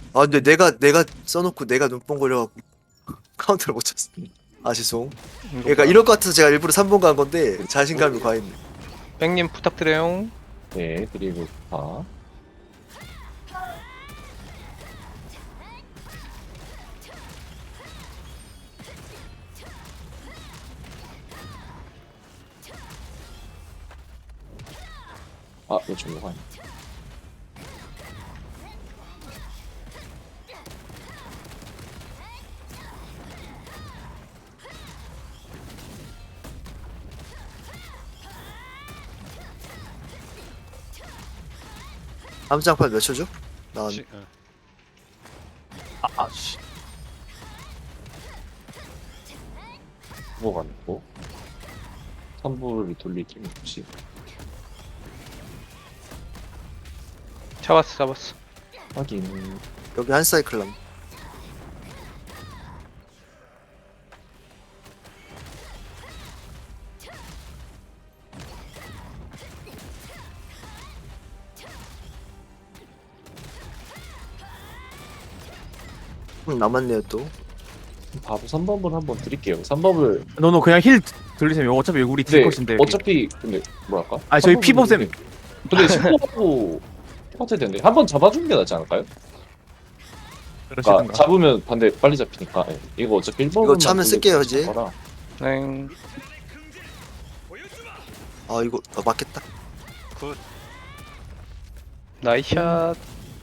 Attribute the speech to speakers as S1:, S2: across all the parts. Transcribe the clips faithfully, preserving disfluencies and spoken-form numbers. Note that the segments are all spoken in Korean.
S1: 아 근데 내가 내가 써놓고 내가 눈뽕거려갖고 카운터를 못 쳤어. 아 죄송. 그러니까 이럴 것 같아서 제가 일부러 삼 번 간 건데 자신감이 과했네.
S2: 뺑님 부탁드려요.
S3: 네, 그리고 다. 아, 이거 중요가 아니야.
S1: 다음 장판 몇 초죠? 나
S4: 지, 어.
S2: 아, 씨.
S3: 뭐가 있고. 삼 부를 돌리기 없이.
S2: 잡았어, 잡았어.
S3: 확인.
S1: 여기 한 사이클 남. 음, 남았네요 또.
S3: 바로 삼 번을 한번 드릴게요. 삼 번을.
S5: 너너 그냥 힐 돌리세요. 어차피 우리 딜
S3: 네,
S5: 컷인데. 여기.
S3: 어차피, 근데, 뭐랄까?
S5: 아니, 저희
S3: 삼 번은
S5: 피벗 쌤.
S3: 근데- 근데 십 번하고 똑같을 텐데. 한 번 잡아주는 게 낫지 않을까요? 그러니까
S5: 그러시든가.
S3: 잡으면 반대 빨리 잡히니까. 예. 이거 어차피 일 번.
S1: 이거 차면 쓸게요, 이제.
S2: 네.
S1: 아 이거 아, 맞겠다.
S4: 굿.
S2: 나이샷.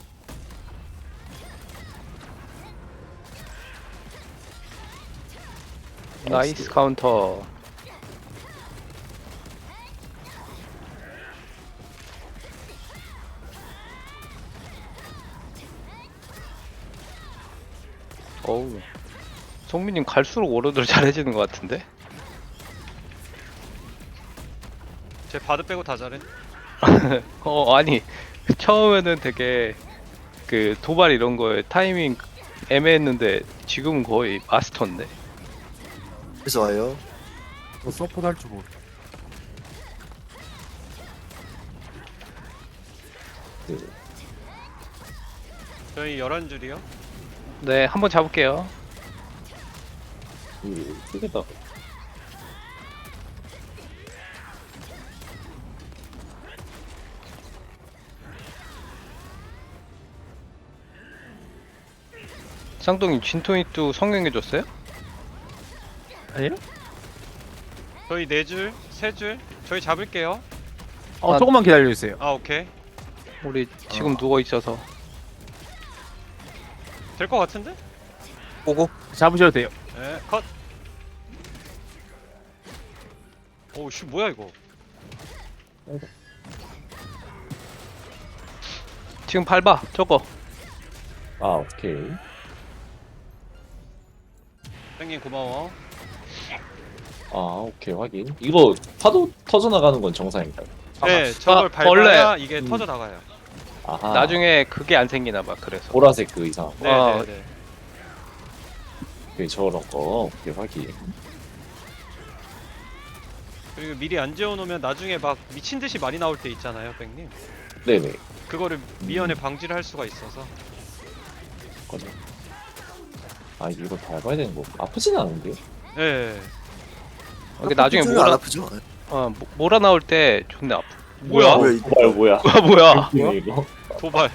S2: 나이스 카운터. 어우. 송민님 갈수록 오로드를 잘해지는 것 같은데?
S4: 제 바드 빼고 다 잘해.
S2: 어, 아니. 처음에는 되게 그 도발 이런 거에 타이밍 애매했는데 지금은 거의 마스터인데?
S1: 그래서 와요.
S5: 너 서포트 할 줄 모르.
S3: 그,
S4: 저희 열한 줄이요.
S2: 네, 한번 잡을게요.
S3: 그, 크게다.
S2: 쌍둥이 진토이뚜 성형해줬어요?
S5: 아니요?
S4: 저희 네 줄, 세 줄. 저희 잡을게요.
S5: 어
S2: 아.
S5: 조금만 기다려 주세요.
S4: 아 오케이.
S2: 우리 지금 누워 있어서.
S4: 될 것 같은데?
S1: 보고.
S5: 잡으셔도 돼요.
S4: 네, 컷. 오우 씨 뭐야 이거?
S2: 지금 밟아, 저거.
S3: 아, 오케이.
S4: 땡긴 고마워.
S3: 아, 오케이, 확인. 이거 파도 터져나가는 건 정상인가요?
S4: 네, 저걸
S2: 아,
S4: 밟아야 이게
S3: 음.
S4: 터져 나가요.
S3: 아하.
S2: 나중에 그게 안 생기나봐, 그래서.
S3: 보라색 그 이상.
S4: 네,
S2: 아.
S4: 네, 네.
S3: 오케이, 저런 거. 오케이, 확인.
S4: 그리고 미리 안 지어놓으면 나중에 막 미친 듯이 많이 나올 때 있잖아요, 백님.
S3: 네네.
S4: 그거를 미연에 방지를 할 수가 있어서.
S3: 거죠. 아, 이거 밟아야 되는 거. 아프진 않은데?
S4: 네.
S2: 이게 나중에
S1: 안
S2: 몰아,
S1: 아프죠?
S2: 어, 모- 몰아 나올 때 존나 아프.
S4: 뭐야?
S1: 뭐야 이
S3: 뭐야, 뭐야.
S2: 아, 뭐야?
S3: 뭐야, 이거?
S4: 도발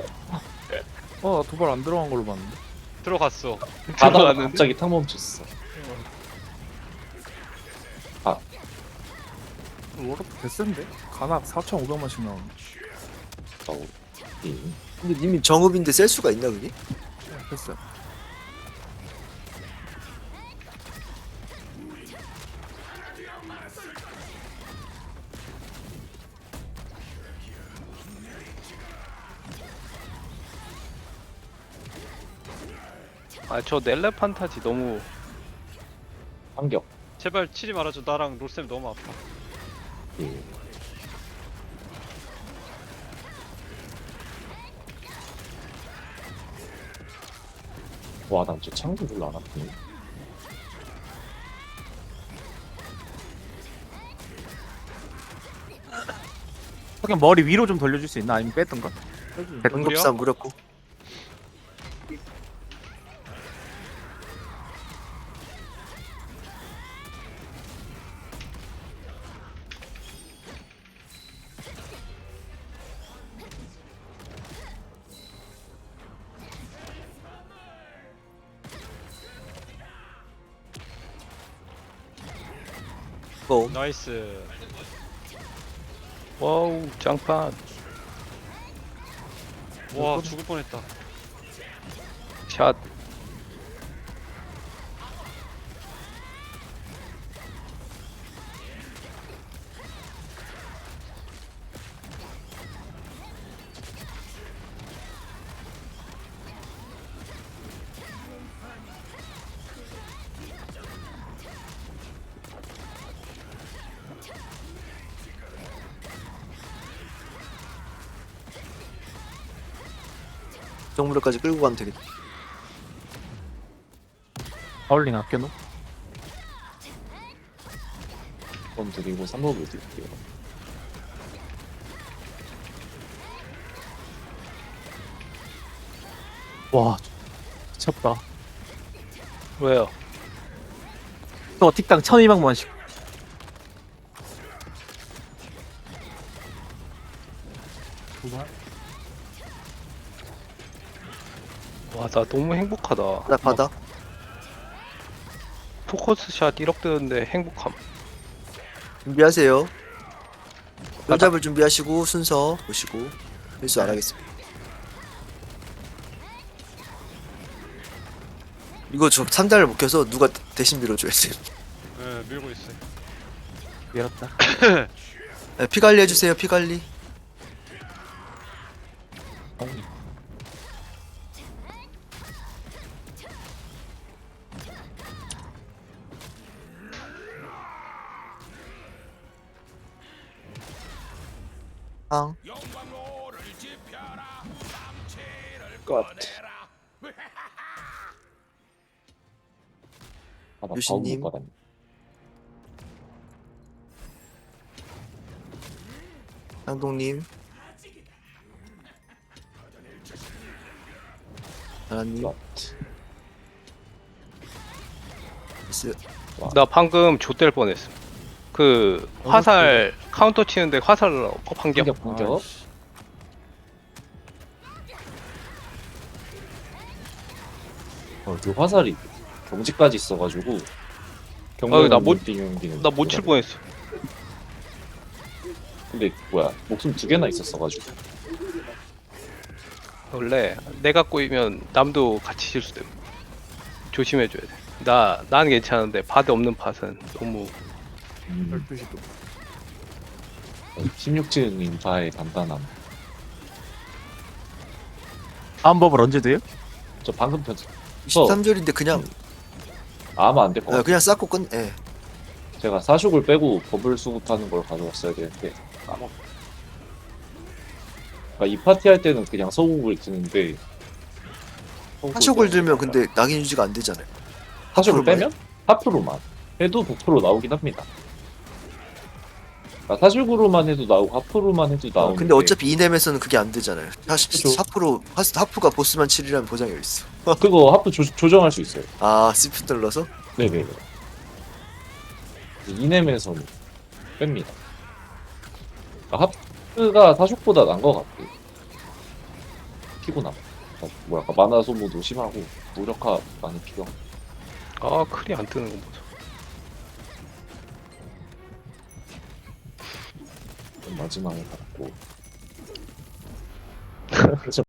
S5: 어 도발 안 들어간 걸로 봤는데.
S4: 들어갔어.
S3: 가다가
S2: 들어갔는데?
S3: 갑자기 탁 멈췄어.
S5: 워럭 개센데? 가낙 사천오백만씩 나오네.
S3: 어, 이.
S1: 근데 이미 정읍인데 셀 수가 있나 그게?
S5: 됐어요.
S2: 아, 저 넬레 판타지 너무.
S3: 반격.
S4: 제발 치지 말아줘. 나랑 롤쌤 너무 아파.
S3: 예. 와, 난 저 창도 별로 안 아프네.
S5: 그냥 머리 위로 좀 돌려줄 수 있나? 아니면 뺐던가?
S1: 백급삼 무렵고. 고.
S4: 나이스.
S2: 와우 짱판.
S4: 와 죽을 뻔했다.
S2: 샷.
S1: 정무력까지 끌고 가면 되겠다.
S5: 파울링 아껴놓.
S3: 번 드리고 삼 법을 드릴게요.
S5: 와 미쳤다.
S2: 왜요?
S5: 또 틱당 천이백만씩. 도발?
S2: 와 나 너무 행복하다.
S1: 바닥 바닥.
S2: 포커스 샷 일억 뜨는데 행복함.
S1: 준비하세요. 손잡을 준비하시고 순서 보시고 실수 안 하겠습니다. 이거 저 삼단을 못 켜서 누가 대신 밀어줘야 돼.
S4: 예 밀고 있어요.
S5: 밀었다.
S1: 네, 피 관리 해주세요. 피 관리. 앙.
S3: 것. 아, 나
S1: 유신님.
S3: 바운 못 받았네.
S1: 향동님. 나라님.
S3: 것.
S1: 미스.
S2: 나 방금 좆될 뻔했어. 그 화살 카운터 치는데 화살 반격.
S3: 공격 공격. 어, 그 화살이 경지까지 있어가지고
S2: 아, 나 못-
S3: 경기는
S2: 나 못 칠 뻔했어.
S3: 근데 뭐야 목숨 두 개나 있었어가지고
S2: 원래 내가 꼬이면 남도 같이 실수돼. 조심해줘야 돼. 나 나는 괜찮은데 바드 없는 팟은 너무
S3: 음,
S5: 열두 시도.
S3: 십육 층 인파의 단단함.
S5: 다음 법을 언제 돼요?
S3: 저 방금 편
S1: 이십삼 절인데 그냥
S3: 아마 안 될 것
S1: 아,
S3: 같아요.
S1: 그냥 쌓고 끝. 예.
S3: 제가 사육을 빼고 버블 수급하는 걸 가져왔어야 되는데 까먹. 그러니까 이 파티 할 때는 그냥 서국을 드는데
S1: 하쇼을 들면 근데 낙인 유지가 안 되잖아요.
S3: 사육을
S1: 하프로만
S3: 빼면 하프로만 해도 백 퍼센트 나오긴 합니다. 그러니까 사육으로만 해도 나오고 하프로만 해도
S1: 어,
S3: 나오는데
S1: 근데 어차피 이넴에서는 그게 안 되잖아요. 사실
S3: 그쵸.
S1: 하프로 하스 하프가 보스만 칠이라는 보장이 있어.
S3: 그거 하프 조, 조정할 수 있어요.
S1: 아 시프 눌러서
S3: 네네. 이넴에서는 뺍니다. 그러니까 하프가 사육보다 난 것 같아요. 피곤함. 그러니까 뭐랄까 만화 소모도 심하고 무력화 많이 필요하고.
S2: 아 클이 안 뜨는 거 보자.
S3: 마지막에 받고